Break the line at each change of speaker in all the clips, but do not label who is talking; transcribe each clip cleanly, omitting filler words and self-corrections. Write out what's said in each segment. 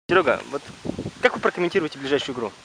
Серега, вот как вы прокомментируете ближайшую игру?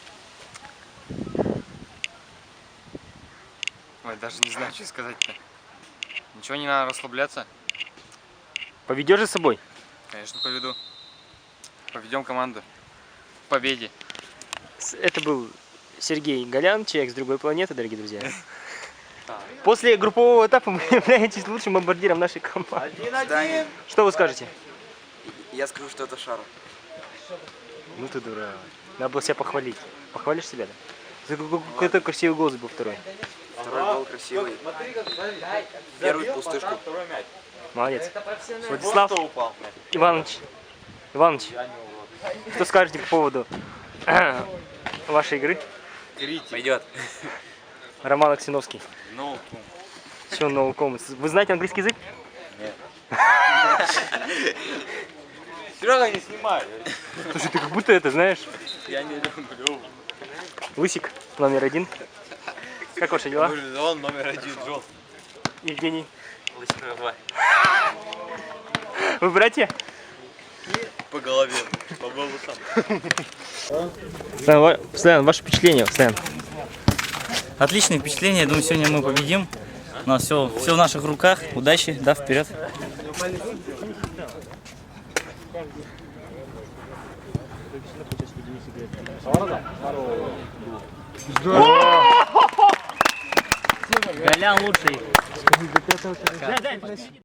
Ой, даже не знаю, что сказать-то. Ничего, не надо расслабляться.
Поведешь за собой?
Конечно, поведу. Поведем команду к победе.
Это был Сергей Голян, человек с другой планеты, дорогие друзья. После группового этапа вы являетесь лучшим бомбардиром нашей команды.
1-1.
Что вы скажете?
Я скажу, что это Шар.
Ну ты дурак. Надо было себя похвалить. Похвалишь себя, да? Какой-то красивый голос был второй.
Второй гол красивый. Первый в пустышку.
Молодец. Владислав Иванович, что скажете по поводу вашей игры?
Пойдет.
Роман Аксеновский.
Ну,
Все, no comments. Вы знаете английский язык?
нет. Серега, не снимай.
Слушай, ты как будто это знаешь.
Я не люблю.
Лысик номер 1. Как ваши дела?
Он номер 1, Джон.
Евгений.
Лысик номер 2.
Вы братья?
По голове. По волосам.
Постоянно, ваше впечатление, постоянно.
Отличное впечатление, я думаю, сегодня мы победим. У нас все в наших руках. Удачи, да, вперед. Голян лучший.